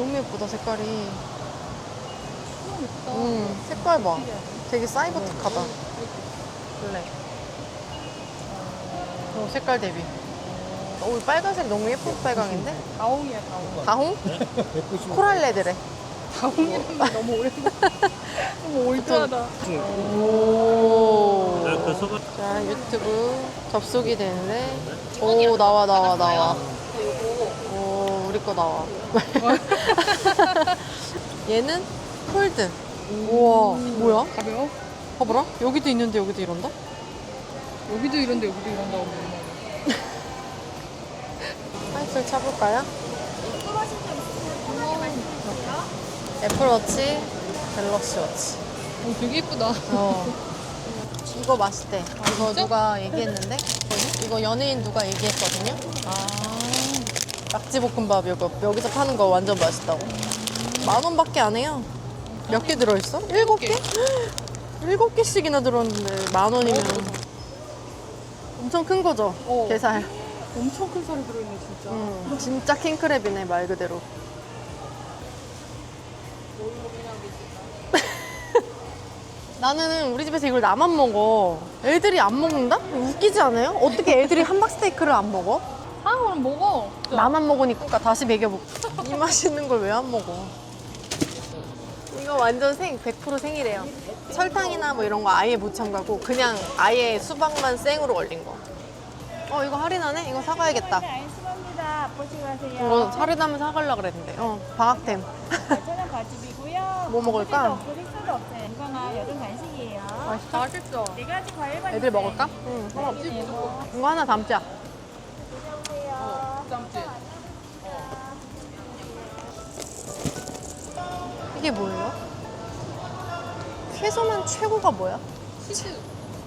너무 예쁘다, 색깔이. 너무 예쁘다. 색깔 봐. 되게 사이버틱하다. 블랙. 색깔 대비. 오, 빨간색 너무 예쁜 빨강인데? 다홍이야, 다홍. 다홍? 코랄레드래. 다홍이라는 게 너무 오랜만에. 너무 올드하다. 오. 자, 유튜브 접속이 되는데. 오, 나와. 오, 우리 거 나와. 얘는 폴드. 우와, 뭐야? 가벼워? 봐봐라. 여기도 있는데 여기도 이런다? 여기도 이런데 여기도 이런다고 뭐냐. 화이트를 차볼까요? 애플워치, 갤럭시 워치. 오, 되게 예쁘다. 이거 맛있대. 이거 진짜? 누가 얘기했는데? 이거 연예인 누가 얘기했거든요? 낙지볶음밥 이거 여기서 파는 거 완전 맛있다고. 10,000원밖에 안 해요. 몇 개 들어있어? 7개? 7개씩이나 들어있는데 10,000원이면 엄청 큰 거죠? 게살. 엄청 큰 살이 들어있네, 진짜. 진짜 킹크랩이네, 말 그대로. 나는 우리 집에서 이걸 나만 먹어. 애들이 안 먹는다? 웃기지 않아요? 어떻게 애들이 함박스테이크를 안 먹어? 그럼 먹어. 나만 먹으니까 다시 먹여볼까? 이 맛있는 걸 왜 안 먹어? 이거 완전 100% 생이래요. 설탕이나 뭐 이런 거 아예 못 첨가고 그냥 아예 수박만 생으로 얼린 거. 이거 할인하네? 이거 사가야겠다. 알겠습니다. 보시고 가세요. 이거 할인하면 사가려고 그랬는데. 방학템. 저는 과즙이고요. 뭐 먹을까? 식사도 없어요. 이거나 여름 간식이에요. 맛있어. 네 가지 과일만 애들 있어요. 먹을까? 응. 네, 이거 하나 담자. 드셔보세요. 짬지. 이게 뭐예요? 채소만 최고가 뭐야? 치즈.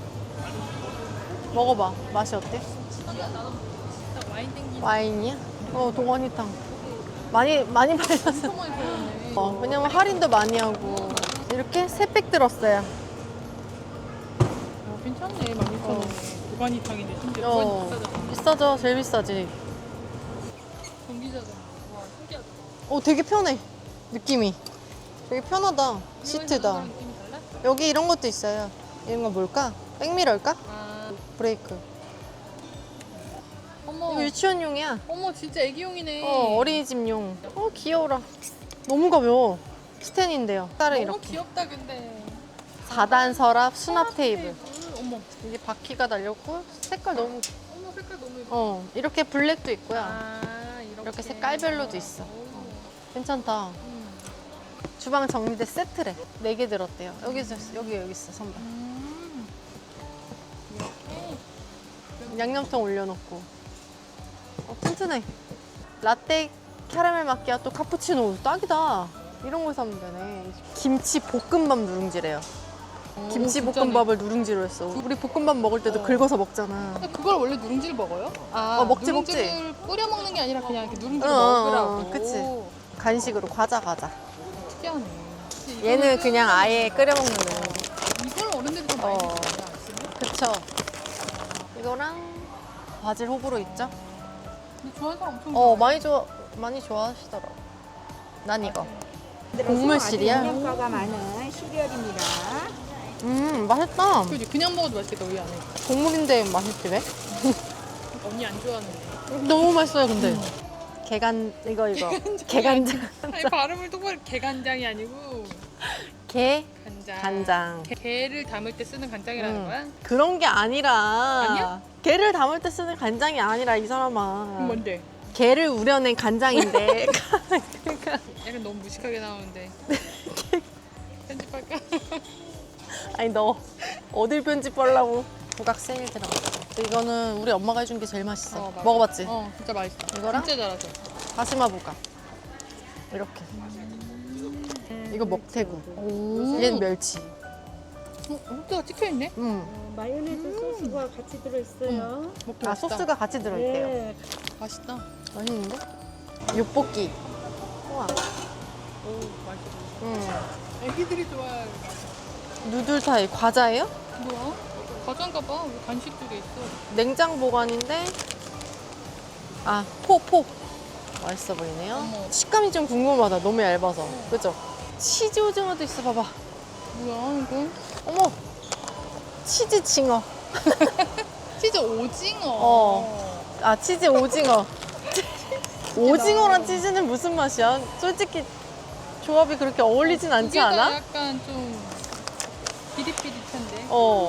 먹어봐. 맛이 어때? 진짜 와인 땡기는 와인이야? 동원이탕. 많이 발랐어. 엄청 많이 들어있네. 왜냐면 할인도 많이 하고. 이렇게 3팩 들었어요. 괜찮네, 16,000원에. 도가니탕인데 심지어 어, 도가니 비싸잖아. 비싸죠? 제일 비싸지. 전기자잖아. 와, 신기하다. 되게 편해. 느낌이. 되게 편하다. 시트다. 이거랑 느낌이 달라? 여기 이런 것도 있어요. 이런 거 뭘까? 백미러일까? 브레이크. 어머. 이거 유치원용이야. 어머, 진짜 애기용이네. 어린이집용. 귀여워라. 너무 가벼워. 스탠인데요. 딸은 너무 이렇게. 귀엽다, 근데. 4단 서랍 수납 테이블. 어머, 이게 바퀴가 달렸고 색깔 너무 어머, 색깔 너무 예뻐. 이렇게 블랙도 있고요. 이렇게 색깔별로도 있어. 오. 괜찮다. 주방 정리대 세트래. 4개 들었대요. 여기 있어 선반. 이렇게. 양념통 올려놓고. 튼튼해. 라떼 캐러멜 마키아또 카푸치노 딱이다. 이런 거 사면 되네. 김치 볶음밥 누룽지래요. 김치 볶음밥을 누룽지로 했어. 우리 볶음밥 먹을 때도 긁어서 먹잖아. 근데 그걸 원래 누룽지를 먹어요? 먹지. 누룽지를 뿌려 먹는 게 아니라 그냥 이렇게 누룽지를 어, 먹으라고. 그치. 간식으로 과자. 특이하네. 얘는 그냥 아예 끓여 먹는 거. 이걸 어른들이 좀 많이 먹어요. 그쵸. 이거랑 바질 호불호 있죠? 근데 좋아하는 사람 엄청 좋아해. 많이 좋아하시더라고. 난 이거. 곡물 곡물 시리얼? 영양가가 많은 시리얼입니다. 맛있다. 그지 그냥 먹어도 맛있겠다, 우유 안에. 곡물인데 맛있지 왜? 언니 안 좋아하는데. 너무 맛있어요, 근데. 이거. 게간장. 아니, 발음을 똑바로 게간장이 아니고 간장. 게를 담을 때 쓰는 간장이라는 거야? 그런 게 아니라. 아니야? 게를 담을 때 쓰는 간장이 아니라, 이 사람아. 그럼 뭔데? 게를 우려낸 간장인데. 약간 너무 무식하게 나오는데. 편집할까? 아니, 너 어딜 편집하려고. 부각 세일 들어갔어. 이거는 우리 엄마가 해준 게 제일 맛있어. 맞아. 먹어봤지? 진짜 맛있어. 이거랑? 진짜 잘하죠. 다시마 부각. 이렇게. 이거 먹태구. 얘는 멸치. 호두가 찍혀있네? 마요네즈 소스가 같이 들어있어요. 먹기 아, 맛있다. 소스가 같이 들어있대요. 네. 맛있다. 맛있는데? 육볶이. 우와. 오, 맛있어. 애기들이 좋아할 누들 타입. 과자예요? 뭐야? 과자인가 봐. 왜 간식 쪽에 있어? 냉장 보관인데. 포. 맛있어 보이네요. 어머. 식감이 좀 궁금하다. 너무 얇아서. 그죠? 치즈 오징어도 있어. 봐봐. 뭐야 이거? 어머! 치즈 징어. 치즈 오징어. 아, 치즈 오징어. 오징어랑 치즈는 무슨 맛이야? 솔직히 조합이 그렇게 어울리진 않지 두 개 다 않아? 약간 좀 비릿비릿한데.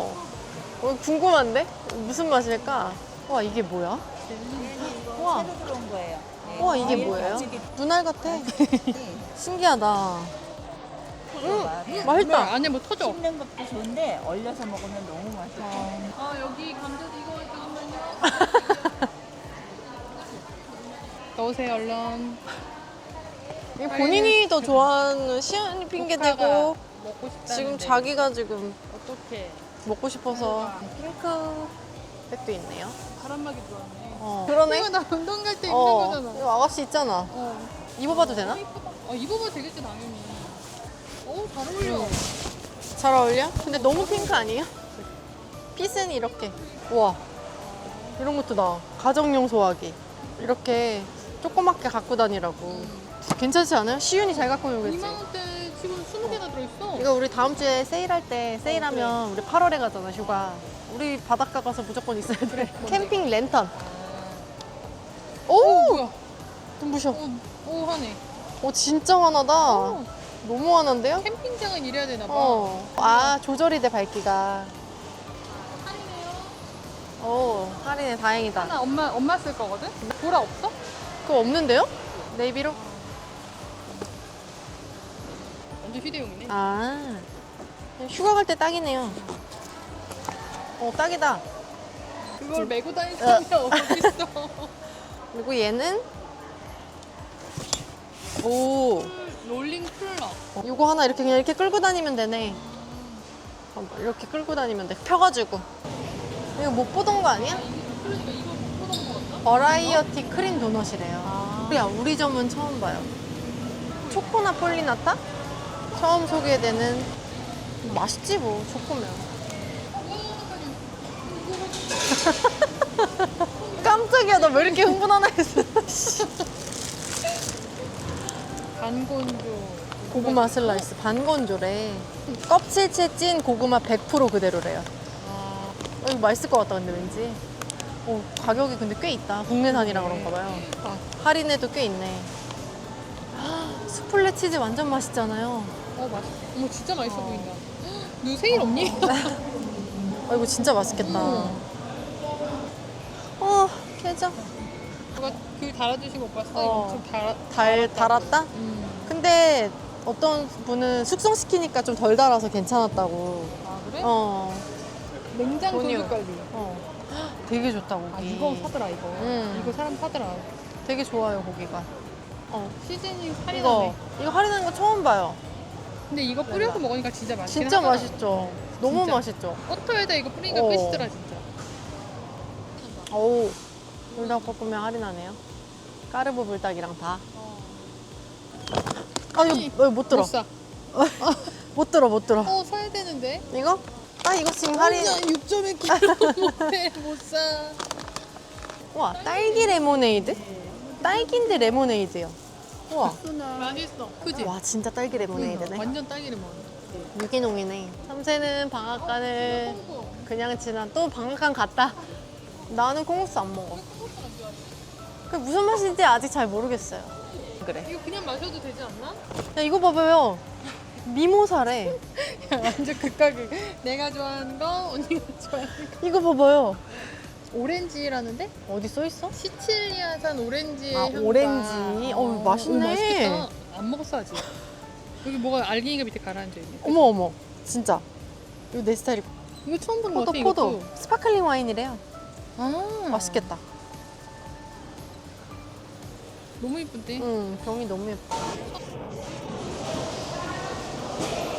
궁금한데? 무슨 맛일까? 와, 이게 뭐야? 우와. 새로 들어온 거예요. 네. 와, 이게 과일 뭐예요? 가지기 눈알 같아. 네. 신기하다. 먹어봐. 맛있다. 안에 뭐 터져. 씹는 것도 좋은데 얼려서 먹으면 너무 맛있어. 아 여기 감자도 이거 잠깐만요. 넣으세요 얼른. 이게 본인이 더 좋아하는 시연이 핑계대고 먹고 싶다. 지금 자기가 지금 어떻게? 먹고 싶어서 핑크 백도 있네요. 바람막이 들어왔네. 그러네. 이거 나 운동 갈 때 입는 거잖아. 이거 아가씨 있잖아. 입어봐도 되나? 입어봐도 되겠지 당연히. 잘 어울려. 잘 어울려? 근데 너무 핑크 아니에요? 핏은 이렇게. 우와. 이런 것도 나. 가정용 소화기. 이렇게 조그맣게 갖고 다니라고. 괜찮지 않아요? 시윤이 잘 갖고 놀겠지? 2만 원대 지금 20개나 들어있어. 이거 우리 다음 주에 세일할 때 세일하면 우리 8월에 가잖아 휴가. 우리 바닷가 가서 무조건 있어야 돼. 캠핑 랜턴. 오! 뭐야? 눈부셔. 오 하네. 진짜 환하다. 너무 환한데요? 캠핑장은 이래야 되나 봐. 아, 조절이 돼 밝기가. 할인해. 다행이다. 하나 엄마 쓸 거거든? 보라 없어? 그거 없는데요? 네이비로? 완전 휴대용이네. 아, 휴가 갈 때 딱이네요. 딱이다. 그걸 메고 다닐 사람이 어딨어. 그리고 얘는 오, 롤링 쿨러. 이거 하나 이렇게 그냥 이렇게 끌고 다니면 되네. 잠깐만, 이렇게 끌고 다니면 돼. 펴가지고. 이거 못 보던 거 아니야? 그러니까 이거 못 보던 거 같나? 버라이어티 크림 도넛이래요. 우리 점은 처음 봐요. 초코나 폴리나타? 처음 소개되는. 맛있지 뭐, 초코면. 깜짝이야, 나 왜 이렇게 흥분하나 했어. 반건조. 고구마 슬라이스 반건조래. 껍질째 찐 고구마 100% 그대로래요. 이거 맛있을 것 같다 근데 왠지. 가격이 근데 꽤 있다. 국내산이라 그런가 봐요. 할인에도 꽤 있네. 수플레 치즈 완전 맛있잖아요. 맛있어. 어머 진짜 맛있어 보인다. 너 세일 없니? 이거 진짜 맛있겠다. 깨져. 누가 글 달아주신 거 봤어? 어. 이거 좀 달았다? 근데 어떤 분은 숙성시키니까 좀 덜 달아서 괜찮았다고. 아 그래? 냉장 돈이요. 도둑 관리. 되게 좋다 고기. 아 이거 사더라 이거. 이거 사람 사더라. 되게 좋아요 고기가. 시즈닝 이거 할인하네. 할인하는 거 처음 봐요. 근데 이거 뿌려서 먹으니까 진짜 맛있긴 진짜 하더라. 맛있죠. 너무 진짜. 맛있죠. 버터에다 이거 뿌리니까 어. 끝이더라 진짜. 불닭볶음면 할인하네요. 까르보 불닭이랑 다. 아니, 이거 못 들어. 못 사. 못 들어. 사야 되는데. 이거? 이거 지금 할인. 6.1kg 못해 못 사. 와, 딸기 레모네이드? 딸기인데 레모네이드요. 우와. 맛있어. 그지? 와, 진짜 딸기 레모네이드네. 완전 딸기를 먹어. 유기농이네. 삼세는 방앗간을 그냥 지나 또 방앗간 갔다. 나는 콩국수 안 먹어. 그 무슨 맛인지 아직 잘 모르겠어요. 그래. 이거 그냥 마셔도 되지 않나? 야, 이거 봐봐요. 미모사래. 완전 극가극. 내가 좋아하는 거, 언니가 좋아하는 거. 이거 봐봐요. 오렌지라는데? 어디 써 있어? 시칠리아산 오렌지의 향과. 오렌지. 맛있네. 맛있겠다. 안 먹었어 아직. 여기 뭐가 알갱이가 밑에 가라앉아 있네. 어머. 진짜. 이거 내 스타일이. 이거 처음 보는 거 같아 포도. 이것도. 스파클링 와인이래요. 아 맛있겠다. 너무 이쁜데. 병이 너무 예뻐.